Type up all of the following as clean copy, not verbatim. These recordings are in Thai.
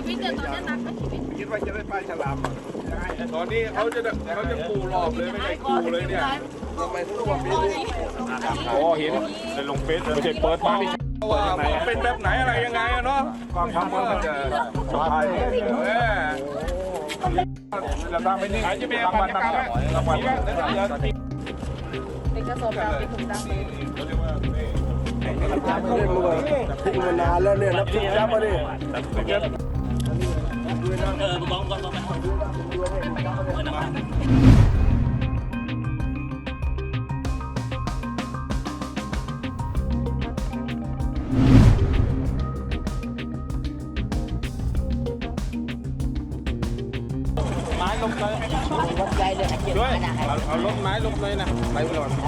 วิตเนี่ยตอนนี้นักไหมชีวิตคิดว่าจะได้ปลาฉลามตอนนี้เขาจะปูรอบเลยไม่ได้ปูเลยเนี่ยทำไมทุกวันนี้โอ้เห็นในลงเฟซไม่ใช่เปิดมาที่ว่าเป็นแบบไหนอะไรยังไงอะเนาะความทำมันจะสบายเราทำไปนี่จะมีรางวัลนะครับรางวัลเป็นกระสอบดำเป็นถุงดำเลยทิ้งมานานแล้วเนี่ยนับสิบยับมาดิไม้ลงเลยด้วยเอาลงไม้ลงเลยนะไปก่อน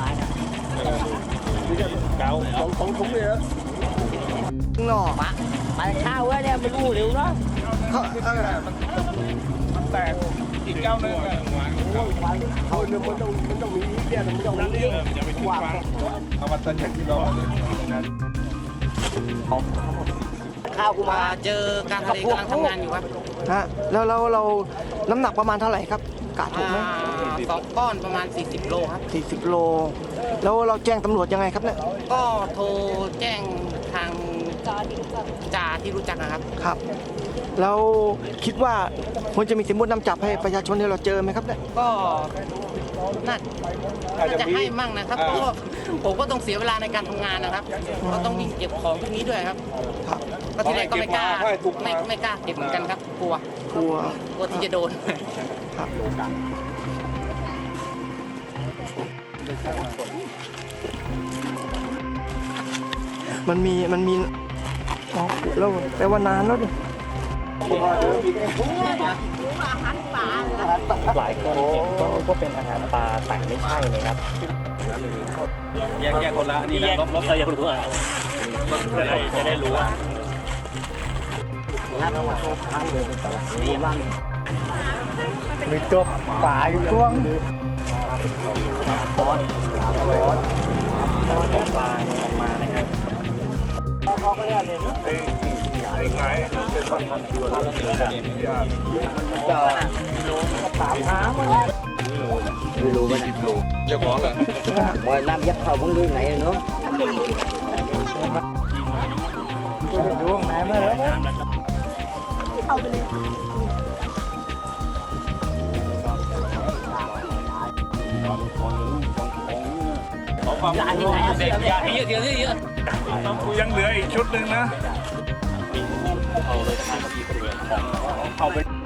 เก่าของถุงเลยนะหน่อมาข้าวเนี่ยมันรู้เร็วเนาะมันแตกอีกเก้านึงเขาเนี่ยมันต้องมีเนี่ยมันต้องมีอย่าไปทิ้งฟังเอามาตัดจากที่เราข้าวกูมาเจอการทะเลกำลังทำงานอยู่ครับฮะแล้วเราน้ำหนักประมาณเท่าไหร่ครับกะถูกไหม 2 ก้อนประมาณ40 โลครับ 40 โลแล้วเราแจ้งตำรวจยังไงครับเนี่ยก็โทรแจ้งทางจ่าที่รู้จักนะครับครับแล้วคิดว่าควรจะมีสินบนนำจับให้ประชาชนที่เราเจอไหมครับเนี่ยก็น่าจะให้มั่งนะครับเพราะว่าผมก็ต้องเสียเวลาในการทำงานนะครับก็ต้องวิ่งเก็บของพวกนี้ด้วยครับครับก็ทีแรกก็ไม่กล้าไม่กล้าเก็บเหมือนกันครับกลัวที่จะโดนครับมันมีอ๋อแล้วแปลว่านานแล้วดิหลายคนเห็นก็เป็นอาหารปลาแต่ไม่ใช่เลยครับแยกคนละนี่นะลบอย่ารู้อ่ะจะได้รู้อ่ะมีตัวปลาอยู่ช่วงปลาออกมานะครับไม่รู้ว่าเจ้าของเหรอ mọi năm dắt hầu vẫn lương này nữa ยังเหลืออีกชุดหนึ่งนะเอาเลยทางที่คนเดียวของเอาไป